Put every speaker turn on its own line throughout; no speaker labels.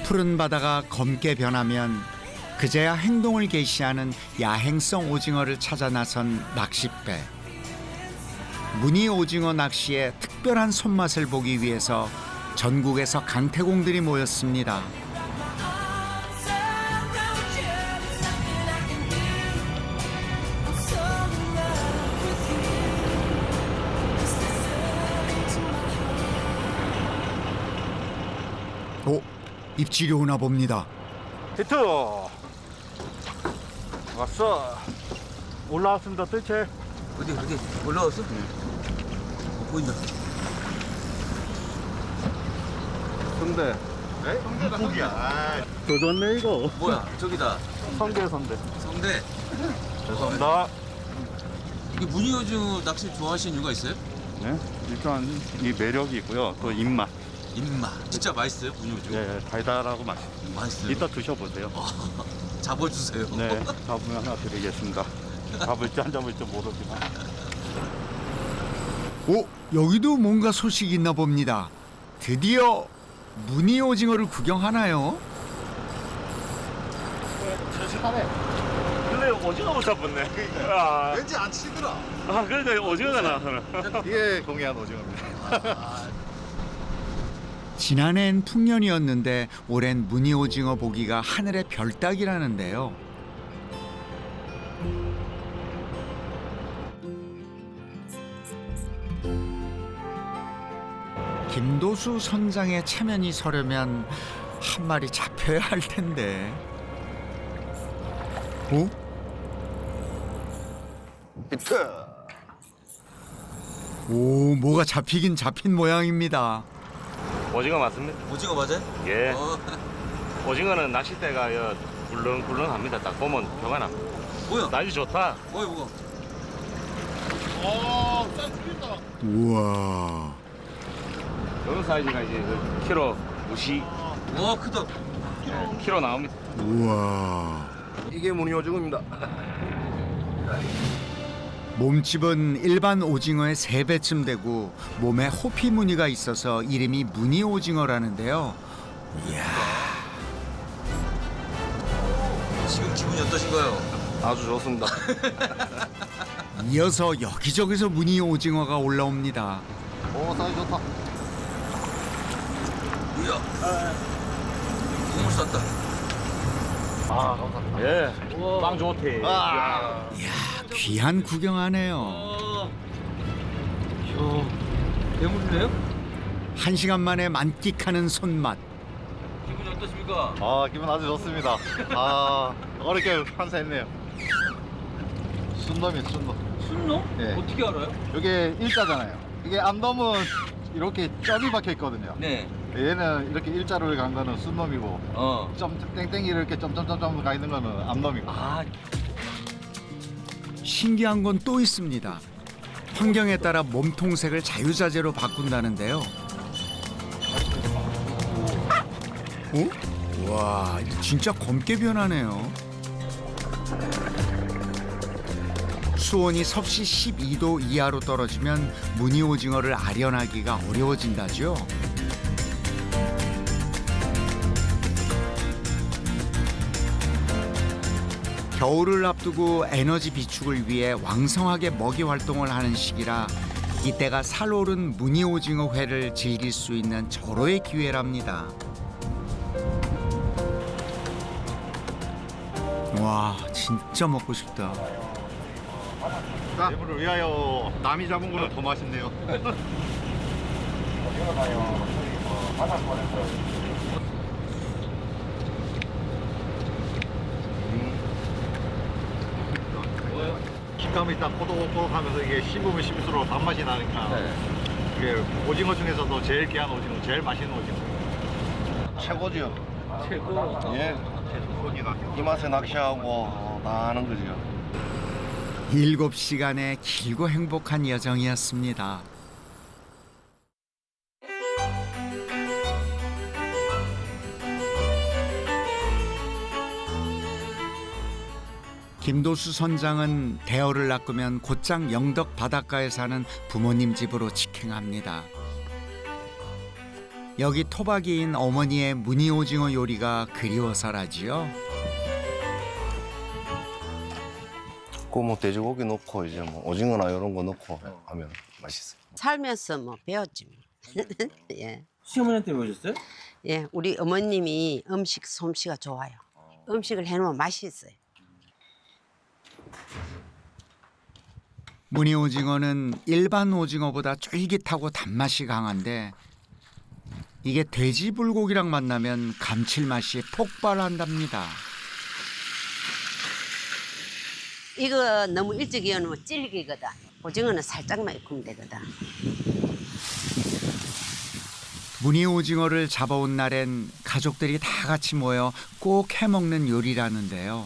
푸른 바다가 검게 변하면 그제야 행동을 개시하는 야행성 오징어를 찾아 나선 낚싯배. 무늬 오징어 낚시의 특별한 손맛을 보기 위해서 전국에서 강태공들이 모였습니다. 오, 입질이 오나 봅니다.
히트! 왔어. 올라왔습니다, 뜰채.
어디 올라왔어? 보인다.
성대. 네? 성대가 성대야. 도졌네, 이거.
뭐야? 저기다.
성대.
성대.
죄송합니다.
이게 무늬 오징어 낚시 좋아하시는 이유가 있어요?
네? 일단 이 매력이 있고요. 또 입맛.
입맛. 진짜 맛있어요, 무늬 오징어.
예, 달달하고 맛있어요.
맛있어요.
이따 드셔보세요.
잡아주세요.
네, 잡으면 하나 드리겠습니다. 잡을지 안 잡을지 모르지만.
오, 여기도 뭔가 소식이 있나 봅니다. 드디어 무늬 오징어를 구경하나요?
근데 오징어 못 잡았네. 아,
왠지 안 치더라.
그러니까 오징어가 나왔어요. 이게 공이한 오징어입니다.
지난해엔 풍년이었는데 올해는 무늬 오징어 보기가 하늘의 별 따기라는데요. 김도수 선장의 체면이 서려면 한 마리 잡혀야 할 텐데. 어?
히트!
오, 뭐가 잡히긴 잡힌 모양입니다.
오징어 맞습니다.
오징어 맞아요?
예.
어,
오징어는 낚싯대가 굴렁굴렁합니다. 딱 보면 표가 납니다.
뭐야?
날이 좋다.
뭐야?
우와.
이런 사이즈가 이제 키로 무시
와, 크다.
키로 나옵니다.
우와.
이게 무늬 오징어입니다.
몸집은 일반 오징어의 3배쯤 되고 몸에 호피 무늬가 있어서 이름이 무늬 오징어라는데요. 이야,
지금 기분이 어떠신가요?
아주 좋습니다.
이어서 여기저기서 무늬 오징어가 올라옵니다.
오, 사이즈 좋다.
이야. 국물 쌌다.
아, 감사합니다. 예, 빵 좋대.
이야, 귀한 구경하네요.
대물이네요?
1시간 만에 만끽하는 손맛.
기분이 어떠십니까?
아, 기분 아주 좋습니다. 아, 어렵게 판사했네요. 순놈이 순놈.
순놈?
네.
어떻게 알아요?
이게 일자잖아요. 이게 암놈은 이렇게 점이 박혀 있거든요.
네.
얘는 이렇게 일자로 간 거는 순놈이고, 점 땡땡이 이렇게 점점점점 가 있는 거는 암놈이고.
아,
신기한 건 또 있습니다. 환경에 따라 몸통색을 자유자재로 바꾼다는데요. 어? 와, 진짜 검게 변하네요. 수온이 섭씨 12도 이하로 떨어지면 무늬 오징어를 아련하기가 어려워진다죠. 겨울을 앞두고 에너지 비축을 위해 왕성하게 먹이 활동을 하는 시기라 이때가 살오른 무늬 오징어 회를 즐길 수 있는 절호의 기회랍니다. 와, 진짜 먹고 싶다.
대물을 위하여 남이 잡은 거는 더 맛있네요. 식감이 딱 꼬독꼬독하면서 이게 씹으면 씹을수록 단맛이 나니까 이게 오징어 중에서도 제일 귀한 오징어, 제일 맛있는 오징어. 최고죠.
최고.
예. 이 맛에 낚시하고 다 하는 거죠.
7시간의 길고 행복한 여정이었습니다. 김도수 선장은 대어를 낚으면 곧장 영덕 바닷가에 사는 부모님 집으로 직행합니다. 여기 토박이인 어머니의 무늬오징어 요리가 그리워서라지요.
뭐 돼지고기 넣고 이제 뭐 오징어나 이런 거 넣고 하면 맛있어요.
살면서 뭐 배웠지 뭐. 예.
시어머니한테 배우셨어요?
예, 우리 어머님이 음식 솜씨가 좋아요. 음식을 해놓으면 맛이 있어요.
무늬오징어는 일반 오징어보다 쫄깃하고 단맛이 강한데 이게 돼지 불고기랑 만나면 감칠맛이 폭발한답니다.
이거 너무 일찍 이어놓으면 질기거든. 오징어는 살짝만 익으면 되거든.
무늬오징어를 잡아온 날엔 가족들이 다 같이 모여 꼭 해먹는 요리라는데요.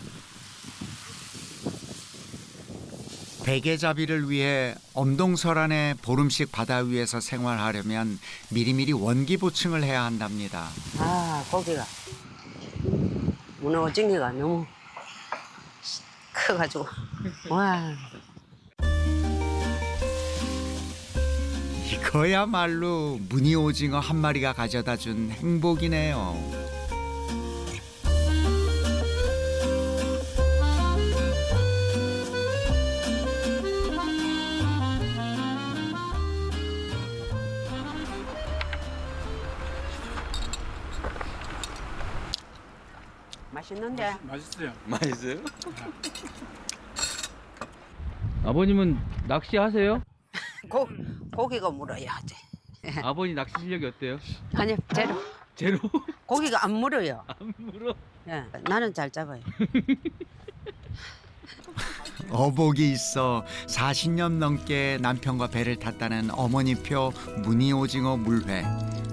대게잡이를 위해 엄동설안의 보름씩 바다 위에서 생활하려면 미리미리 원기 보충을 해야 한답니다.
아, 고기가. 문어 오징어가 너무 커가지고. 와.
이거야말로 무늬오징어 한 마리가 가져다 준 행복이네요.
맛있는데?
맛있어요? 아버님은 낚시하세요?
고기가 물어요. 이제.
아버님 낚시 실력이 어때요?
아니, 제로.
제로?
고기가 안 물어요.
안 물어?
예, 나는 잘 잡아요.
어복이 있어 40년 넘게 남편과 배를 탔다는 어머니표 무늬오징어 물회.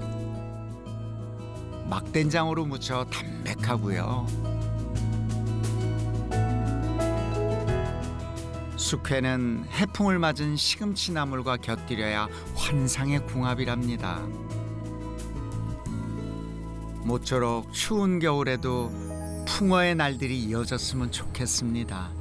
막된장으로 무쳐 담백하고요. 숙회는 해풍을 맞은 시금치 나물과 곁들여야 환상의 궁합이랍니다. 모쪼록 추운 겨울에도 풍어의 날들이 이어졌으면 좋겠습니다.